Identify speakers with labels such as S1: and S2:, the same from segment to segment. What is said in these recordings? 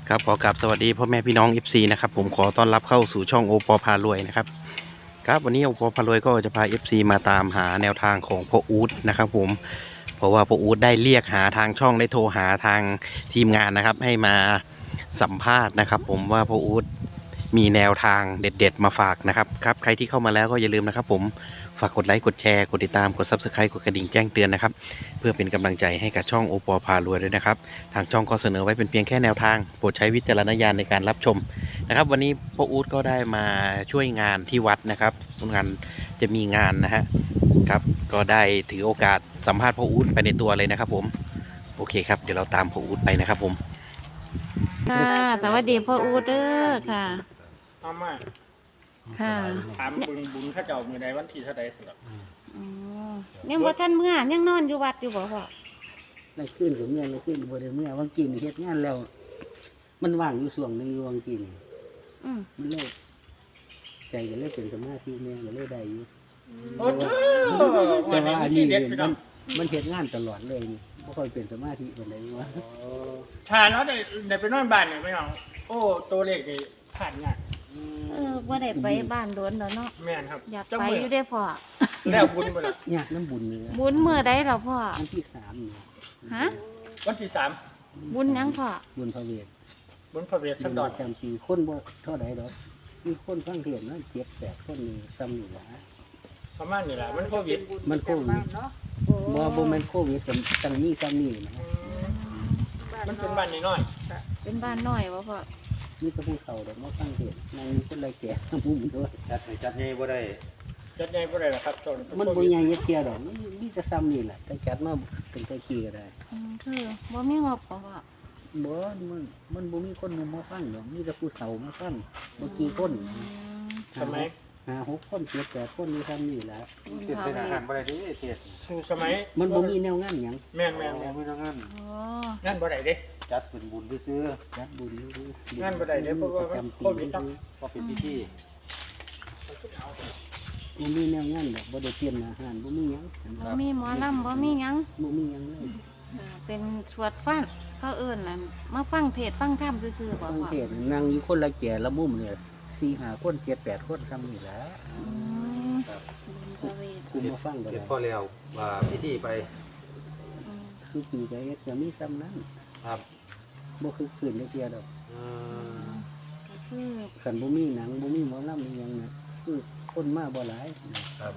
S1: ครับขอกราบสวัสดีพ่อแม่พี่น้อง FC นะครับผมขอต้อนรับเข้าสู่ช่องโอปอพารวยนะครับครับวันนี้โอปอพารวยก็จะพา FC มาตามหาแนวทางของพ่ออู๊ดนะครับผมเพราะว่าพ่ออู๊ดได้เรียกหาทางช่องได้โทรหาทางทีมงานนะครับให้มาสัมภาษณ์นะครับผมว่าพ่ออู๊ดมีแนวทางเด็ดๆมาฝากนะครับครับใครที่เข้ามาแล้วก็อย่าลืมนะครับผมฝากกดไลค์กดแชร์กดติดตามกด Subscribe กดกระดิ่งแจ้งเตือนนะครับเพื่อเป็นกำลังใจให้กับช่องโอปอพารวยด้วยนะครับทางช่องก็เสนอไว้เป็นเพียงแค่แนวทางโปรดใช้วิจารณญาณในการรับชมนะครับวันนี้พ่ออู๊ดก็ได้มาช่วยงานที่วัดนะครับงานจะมีงานนะฮะครับก็ได้ถือโอกาสสัมภาษณ์พ่ออู๊ดไปในตัวเลยนะครับผมโอเคครับเดี๋ยวเราตามพ่ออู๊ดไปนะครับผม
S2: ค่ะสวัสดีพ่ออู๊ดเด้อค่ะ
S3: เอามา
S2: ค่ะ
S3: ถามบุญข้าเจ้ามีในวันที่เท่าใดสำหรับ
S2: อ๋อยังบ่ทันเมื่อยังนอนอยู่วัดอยู่บ่พ่อ
S4: ในขึ้นกับเมียในขึ้นบ่ได้เมียวังกินเฮ็ดงานแล้ว มันว่างอยู่ช่วงหนึงอยู่วังกิน
S2: อืม
S4: มันเลยใจก็เลยเป็นสมาธิเมียก็เลยได้อยู่
S3: โอ้โห
S4: แต่
S3: วัน
S4: ว่าอัน
S3: นี้
S4: นี้
S3: ที่เด็ดพี่น้อง
S4: มันเฮ็ดงานตลอดเลยนี่บ่ค่อยเป็นสมาธิปานใดว่า
S3: ทานเขาได้ไปนอนบ้านเนี่ยพี่น้องโอ้ตัวเลขนี่ผ่านงาน
S2: บ่ได้ไปบ้านโดนแล้วเนาะ
S3: แม่นครับ
S2: อยาก
S3: เจ้
S2: ไป
S3: มื
S2: อยู่ได้อพ่อ
S3: แล้วบุญไปแล้ว
S4: ยากน้ำบุญนี่นะ
S2: บุญมื้อใดล่ะพ่อ
S4: อันที่3นี่
S2: ฮะ
S3: วันที่3
S2: บุญหยังพ่อ
S4: บุญพระเวท
S3: บุญพระเวทสักดอน
S4: จำปีคนบ่เท่าใดดอกมีคนฟังเทศน์เนาะ7-8คนนี่ซ้ำนี่ล่ะ
S3: ประมาณนี้แหละมันโควิด
S4: มันโควิดบ่แม่นโควิดก็จังมีซ้ำนี่นะ
S3: มันเป็นบ้านน้อย
S2: เป็นบ้านน้อยบ่พ่อ
S4: มีแต่ผู้เฒ่าดอกมาฟังเทศน์นั่งมีคนไรแก่มุมด้วย
S1: จัดให้บ่ได้
S3: ๆจัดใหญ่บ่ได้หรอกครับโซน
S4: มันบ่ใหญ่เทียดอกมันมีแต่ซ้ำนี่แหละแต่จัดมาเป็นตะกี้ก็ได้
S2: คือบ่มีงบบ่พ่อ
S4: บ่มันบ่มีคนมาฟังดอกมีแต่ผู้เฒ่ามาฟังบ่กี่คน
S3: สมัย
S4: 5-6 คน7-8คนมีซ้ำนี่แหละ
S2: บุญ
S1: เป็น
S2: พระ
S1: เป็น
S2: เว
S1: อาหาร
S2: ท
S1: บ่ได้ดิเทศ
S3: สู่สมัย
S4: มันบ่มีแนวงานหยัง
S3: แม่น
S1: ไม่ต้องงั้น
S2: โอ้
S3: งานบ่ได้เด้
S1: จัดเป็นบุญซื้อ
S4: จัดบุญ
S3: งานบ่ได้เด้เพราะว่ามันโควิดเนาะ
S1: ก็เป็นพิธี
S4: บ่มีแนวงานดอกบ่ได้เตรียมอาหารบ่มีหยัง
S2: บ่มีหมอลำบ่มีหยัง
S4: บ่มีหยังเลย
S2: เป็นสวดฟังเขาเอิ้นนั่นมาฟังเทศน์ฟังธรรมซื่อๆบ่
S4: ฟัง
S2: พ่อ
S4: เทศน์นั่งอยู่คนละแก่ละมุมเนี่ย4-5 คน7-8 คนซ้ำนี่แหละ
S2: อืมบุญพระเวท
S4: กูมาฟังก็
S1: เฮ็
S4: ได้
S1: ดพ่อแล้วว่าพิธีไป
S2: อืม
S4: สุปีก็เฮ็ดก็มีซ้ำนั้น
S1: ครับ
S4: บ่คือคืนได้เทียดอก
S2: ก็คือ
S4: คันบ่มีหนังบ่มีหมอลำอีหยังน่ะคือคนมาบ่หลาย
S1: ครับ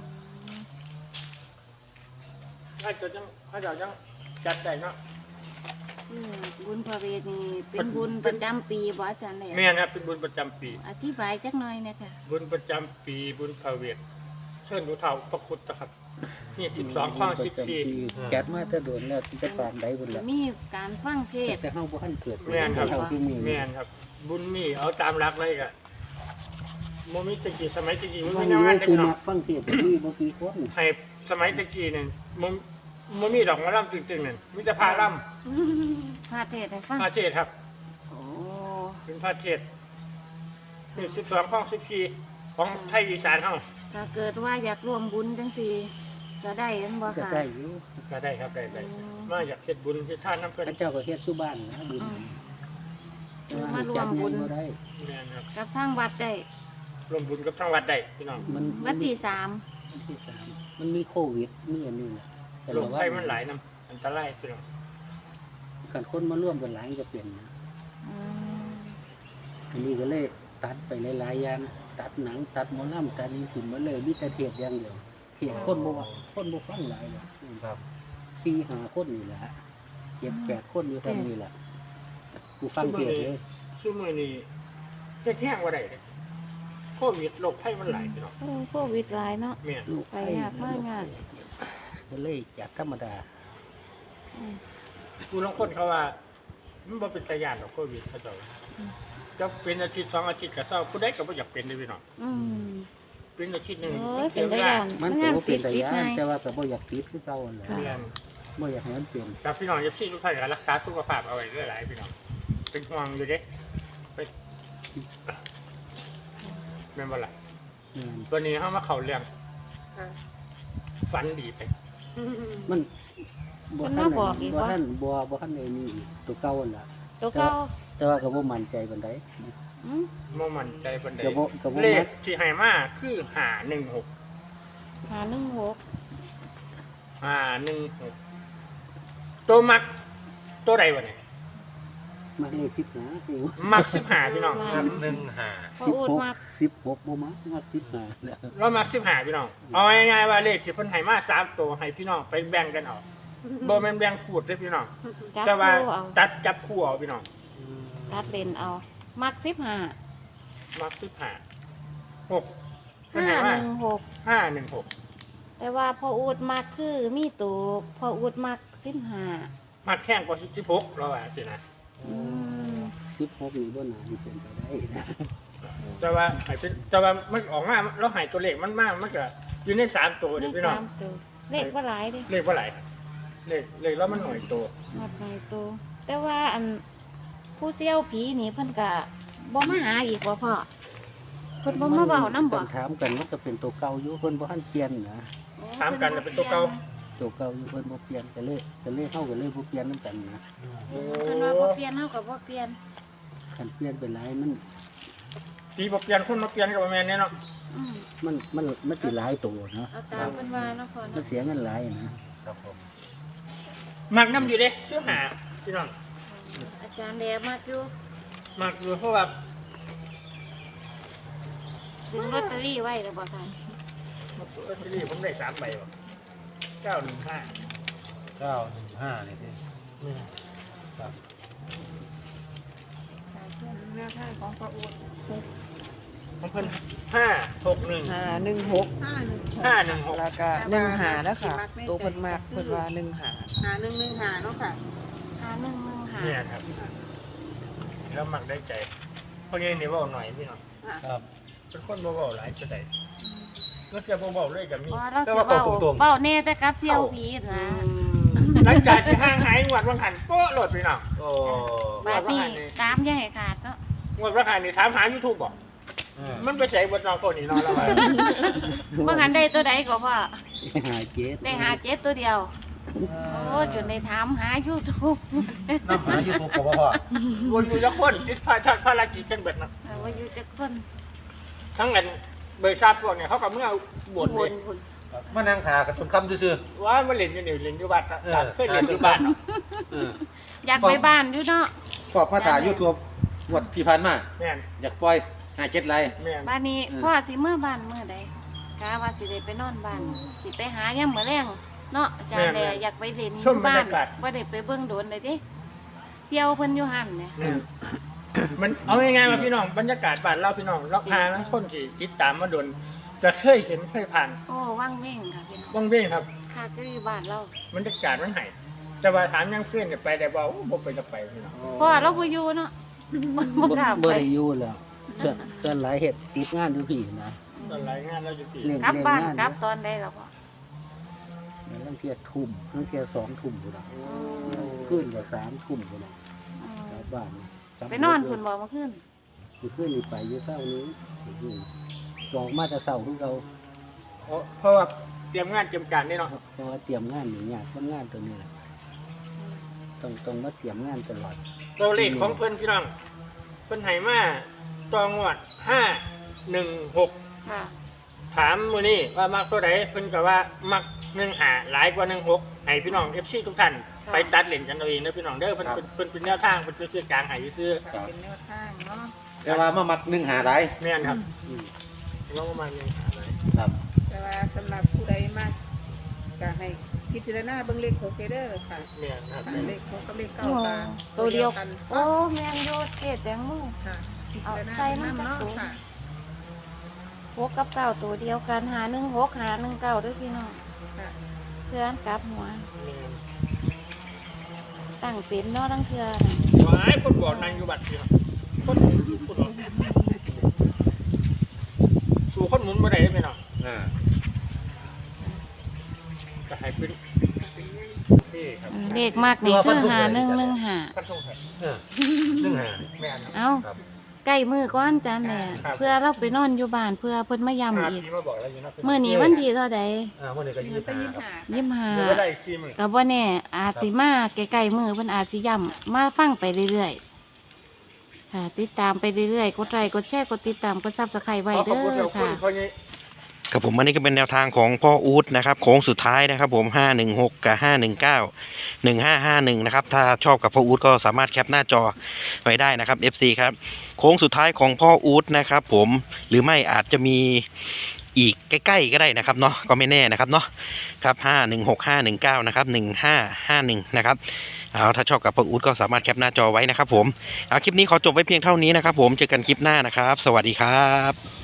S3: ข้าเจ้าจังจัดได้เนาะ
S2: คือบุญพระเวทนี่เป็นบุญประจำปีบ่อาจารย์เลย
S3: แม่นครับเป็นบุญประจำปี
S2: อธิบายจักหน่อยเนี่ยค่ะ
S3: บุญประจำปีบุญพระเวทเชิญดูเท่าพระพุทธครับนี่12ข้อ14
S4: แก๊สมาแต่โดนแล้วจะปานใดพุ่นล่ะ
S2: มีการฟังเทศน์
S4: แต่เฮาบ่ทันเกิด
S3: แม่นครับ
S4: เท่าที่มี
S3: แม่นครับ บุญมีเอาตามรักเลยกะโมมิตะกี้สมัยตะกี้มัน
S4: ฟั
S3: มี
S4: ง
S3: แนว
S4: อยู่
S3: งานเด็ก
S4: คือ
S3: เนาะ
S4: มักฟังเทศน์มีบ่กี่คน
S3: ให้สมัยตะกี้เนี่ยมันมีดอกมะล่ำตึงๆนั่นมีแต่พาล่
S2: พาเทศน์ให้ฟัง
S3: ำพาเทศครับ
S2: โอ้
S3: เป็นพาเทศนี่12ข้อ14ของไทยอีสานเฮา
S2: ถ้าเกิดว่าอยากร่วมบุญจังซี่ก็ได้เห็นบ่
S4: ก็
S2: ค่ะ
S4: ได้อยู่
S3: ก็ได้ครับได้มาอยากเฮ็ดบุญเฮ็ดทานน้ำเพิ่น
S4: พระเจ้าก็เฮ็ดสุบ้านนะบุญ
S2: อืม มารวมบุญ
S4: บ่ได้
S3: แม่นครับ
S2: กับทางวัดได้
S3: รวมบุญกับทางวัดได้พี่น้อง
S4: มัน
S2: วัดที่
S4: วันที่สามมันมีโควิดมีอันนี้น่ะแต่
S3: โร
S4: ละ
S3: ค
S4: วั
S3: ภัยมันหลายนํอันตรายพี่น้อง
S4: คันคนมาร่วมกันหลายก็เป็นนะ
S2: 3อืม
S4: อันนี้ก็เลยตัดไปหลายๆอย่างตัดหนังตัดหมอลำตัดนี่ขึ้นมาเลยมีแต่เทศอย่างเดียวเทศคนบ่ว่าคนบ่ฟังหลายหรอก
S1: ครับ
S4: 4-5 คนนี่แหละ7-8 คนอยู่เท่านี้แหละกูฟังเทศเลย
S3: ซุมื้อนี้เฮ็ดแห้งบ่ได้เด้โควิดโรคภัยมันหลายพี่น้อง
S2: โอ้โควิดหลายเนาะ
S3: แม่น
S4: ลูก
S2: ไปยากมากยาก
S4: ก็เลยจากธรรมดา
S2: อืม
S3: ผู้ลางคนเขาว่ามันบ่เป็นตาย่านดอกโควิดเขาเจ้าจะเป็นอาทิตย์2อาทิตย์ก็เศร้าผู้ใดก็บ่อยากเป็นเด้อพี่น้อง
S2: อืม
S3: เป็นอาทิตย์หนึง
S2: โอ้ย
S3: เสี
S2: เป็น
S3: ย
S2: ได้
S3: เวลา
S2: อย่าง
S4: มัน
S2: งา
S4: ก็
S2: น
S4: บ่
S2: ติ
S4: เป็น
S2: ด
S4: ตา
S2: ติด
S4: ย้าน
S2: ไง
S4: แต่ว่าก็บ่อยากติดคือเก่านั่นแหละ
S3: เรียน
S4: บ่อยากให้มันเป็น
S3: แต่พี่น้องอย่าซี่ทุกท่านก็รักษาสุขภาพเอาไว้เรื่อยหลายพี่น้องเป็นห่วงอยู่เด้ไปแม่นบ่ล่ะ
S4: อืม
S3: วันนี้เฮามาเข้าเรื่องฝันดีไป
S4: มัน
S2: มันมาบอกอีก
S4: บ่
S2: ว่า
S4: ทันบ่ทันได้มีอีกตัวเก่านั่นล่ะ
S2: ตัวเก่า
S4: แต่แต่ว่าก็บ่มั่นใจปานใด
S2: อืม
S3: บ่มั่นใจปานใด
S4: ก็บ่
S3: เล
S4: มั
S3: ข
S4: ก
S3: ที่ให้มาคือ516
S2: 516
S3: 516ตัวมักตัวใดวะเนี่ย
S4: มักเลข15อยู่
S3: มัก15พี่น้อง
S2: พ่ออูดมัก
S4: 16บ่มัก15แล้ว
S3: เรามัก15พี่น้องเอาง่ายๆว่าเลขที่เพิ่นให้มา3ตัวให้พี่น้องไปแบ่งกันเอาบ่แม่นแบ่งขูดเด้อพี่น้อง
S2: จับ
S3: แต่ว่า
S2: คู่เอา
S3: ตัดจับคู่เอาพี่น้อง
S2: ตัดเลนเอา มัก15
S3: มัก15 6เพิ่นให้มา
S2: 516
S3: 516
S2: แต่ว่าพ่ออูดมักคือมีตัวพ่ออูดมัก15
S3: มักแข้งกว่า16เราว่าสินะ
S2: อืม
S4: 16นี่บ่น่าสิเป็นไปได้นะ
S3: แต่ว่ามันออกมาแล้วให้ตัวเลขมันมามันก็อยู่ใน3ตัว
S2: ได้
S3: เด้อพี่น้อง
S2: 3ตัวเลขบ่หลายเด้
S3: เลขว่าไหลายเลขแล้วมันหน่อยตัว
S2: หมดหลายตัวแต่ว่าอันผู้เสี่ยวผีนี่เพิ่นก็บ่มาหาอีกบ่พ่อเพิ่นบ่มาเว้านำบ่
S4: ถามกันมันก็เป็นตัวเก่าอยู่เพิ่นบ่ทันเปลี่ยนนะ
S3: ถามกันแล้วเป็นตัวเก่า
S4: ตัวเก่าอยู่เพิ่นบ่เปลี่ยนก็เลยเฮาก็เลยบ่เปลี่ยนนำกันนะ
S3: โอ้
S2: เพิ่นว่าบ่เปลี่ยนเฮาก็บ่เปลี่ยน
S4: คันเปลี่ยนไปหลายมัน
S3: ปีบ่เปลี่ยนคนมาเปลี่ยนก็บ่แม่นแน่เนาะ
S2: อืม
S4: มันสิหลายตัวเนาะ
S2: เอาตามเพิ่นว่าเนาะพ่อ
S4: มัน
S2: เนาะ
S4: เสียเงินหลายนะ
S3: มักน้ำอยู่เด้ซื้อหาพี่น้อง
S2: อาจารย์แดมักอยู่
S3: มักอยู่เพราะว่า
S2: ดึงลอตเตอรี่ไว้แล้วบ่ค่ะ
S3: ลอตเตอรี่ผมได้3ใบบ่915
S5: 915นี่สิ
S6: แนวทางของพระอูด
S3: ของเพิ่น561
S6: 516
S3: 516
S6: แล้วก็15แล้วค่ะตัวเพิ่นมากเพิ่นว่า15
S5: 5115เนาะค่ะ
S2: 5115
S3: เนี่ยครับแล้วมักได้ใจเพราะงี้นี่เว้าหน่อยพี่น้อง
S5: ครับ
S3: เป็นคนบ่เว้าหลายจะได้ก็จะบ่เว้าเลยก็มี
S2: บ่เราสิเว้าเว้าแน่แต่กับเสี่ยวผีนะ
S3: หลังจากที่ห่างหายงวดวังหันโป๊ะโหลดพี่น้อง
S5: โอ้
S2: บาดนี้ตามอย่าให้ขาดเนาะ
S3: งวดวังหันนี่ถามหา YouTube บ่ มันไปใส่บนนอกตัวนี้นอนแล้ว
S2: บ่หันได้ตัวใดก็พ่อ
S4: หาเจ็ด
S2: ได้หา7ตัวเดียว โอ้จนได้ถามหา YouTube
S5: น้ำหาอยู่ถูกกับพ่อ
S3: วนอยู่ละคนติดภารกิจกันเบิดนะ
S2: ว่าอยู่จักคน
S3: ทั้งนั้นเบอร์ทราบพวกเนี่ยเขาก็เมื่อบ่น
S2: ว
S3: เลย
S2: นพุ่น
S5: มานั่งถากับจนคำซื่อ
S3: ว่ามาเล่นอยู่นี่เล่นอยู่บ้านเคยเล่นอยู่บ้านเนาะ
S2: อยากไปบ้านอยู่เนาะ
S5: ๆพอกมาถ่ายยูทูบงวดที่ผ่านมา
S3: แม่น
S5: อยากปล่อย57ไลค์
S3: แม่น
S2: บ้านนี้พ่อสิเมื่อบ้านเมื่อใดกะว่าสิได้ไปนอนบ้านสิไปหายามมื้อแรงเนาะอาจารย์แดอยากไปเล่นอยู่บ้านบ่ได้ไปเบิ่งโดนเลยเด้เสี่ยวเพิ่นอยู่หั่นเนี่ย
S3: แม่นมันเอาง่ายๆว่าพี่น้องบรรยากาศบ้านเราพี่น้องเราพาคนที่ติดตามมาโดนจะเคยเห็นเคยผ่าน
S2: โอ้ว่างเว้งค่ะพี่น้อง
S3: ว่างเว้งครับ
S2: ค่ะก็อยู่บ้านเรา
S3: บรรยากาศมันให้แต่ว่าถามยังเพื่อนจะไปได้บ่บ่ไปจะไปพี่น้อง
S2: พ่อเราบ่อยู่เนาะบ่กล้า
S4: บ่
S2: ไป
S4: ได้อยู่แล้วส่วนหลายเฮ็ดติดงานอยู่พี่นะ
S3: ตอนรายงานเราอยู่ที่
S4: เล่น
S2: กลับบ้าน
S4: เล่นงาน
S2: กลับตอนใดล่ะพ่อ
S4: ลังเที่ยทุ่มลังเที่ย2ทุ่มพุ่นน่ะคืนก็3ทุ่มพุ่นน่ะ
S2: อืม
S4: กลับบ้าน
S2: ไปนอนพุ่นบ่เมื่อคืน
S4: คืนนี่ไปอยู่เช้านี้ออกมาแต่เช้าคือเก่า
S3: เพราะว่าเตรียมงานเตรียมการนี่เนาะ
S4: เพราะว่าเตรียมงานนี่ยากมันงานตัวนี้แหละต้องมาเตรียมงานตลอด
S3: ตัวเลขของเพิ่นพี่น้องเพิ่นให้มาตองวด516
S2: ค่ะ
S3: ถามมื้อนี้ว่ามักตัวใดเพิ่นก็ว่ามัก15หลายกว่า16ให้พี่น้อง FC ทุกท่านไปตัดเล่นกันเอาเองเด้อพี่น้องเด้อเพิ่นเป็นแนวทางเพิ่นเป็นสื่อกลางให้ซื่อ
S6: เป็นแนวทางเนาะ
S5: แต่ว่ามามัก1หาหลาย
S3: แม่นครับลองมา1หาหลาย
S5: ครับ
S6: แต่ว่าสำหรับผู้ใดมากก็ให้พิจารณาเบิ่งเลข6เด้อค่ะ
S3: แม่นครับ
S6: เลข6กับเลข9ก็
S2: ตัวเดียว
S6: กัน
S2: โอ้แม่นอยู่เทศแตงโม
S6: ค่ะพิ
S2: เอา
S6: จารณา
S2: ใส่น้ำ
S6: เนาะ
S2: จักร
S6: ค่ะ
S2: 6กับ9ตัวเดียวกัน516 519เด้อพี่น้อง
S6: ค่ะ
S2: เพื่อนกลับหัว
S3: แม่น
S2: ตั้งเป็นเนาะทั้งเทื่อ
S3: หลายคนบอกนางอยู่บัดพี่น้องคนหมุนผู้บอกสู่คนหมุนบ่ได้พี่น้อง
S5: อ่า
S3: ก็ให้เป็นนี่ครับ
S2: เลขมากนี่คือ5115
S3: ท่านทรงไทย
S5: 1หา
S3: แม่นครับ
S2: เอ้า
S5: ครับ
S2: ใกล้มือก้อนจันแหละ
S3: ครับ
S2: เพื่อเราไปนอนอยู่บ้านเพื่อเพิ่นมาย้ำอีก
S3: พี่มาบอกแล้วอยู่นะ
S2: เมื่อนี้วันที่เท่าใด
S5: วันนี้ก็
S6: มันไปยิ้ม
S5: 25ครับ
S6: หา
S2: ยี่สิบห้า
S3: อยู่ก็ได้40,000
S2: ก็บ่แน่อาจสิมาใกล้ๆมือเพิ่นอาจสิย้ำมาฟังไปเรื่อยค่ะ ติดตามไปเรื่อยๆกดไลค์กดแชร์กดติดตามกดซับสไครต์ไว้
S3: ขอข
S2: เด้
S3: อบคุณ
S2: อ
S3: ขอบคุณ
S2: ค่ะ
S3: พ่อใหญ่
S1: ครับผมอันนี้ก็เป็นแนวทางของพ่ออู๊ดนะครับโค้งสุดท้ายนะครับผม516กับ519 1551นะครับถ้าชอบกับพ่ออู๊ดก็สามารถแคปหน้าจอไว้ได้นะครับ FC ครับโค้งสุดท้ายของพ่ออู๊ดนะครับผมหรือไม่อาจจะมีอีกใกล้ๆก็ได้นะครับเนาะก็ไม่แน่นะครับเนาะครับ516 519นะครับ1551นะครับเอาถ้าชอบกับพ่ออู๊ดก็สามารถแคปหน้าจอไว้นะครับผมเอาคลิปนี้ขอจบไว้เพียงเท่านี้นะครับผมเจอกันคลิปหน้านะครับสวัสดีครับ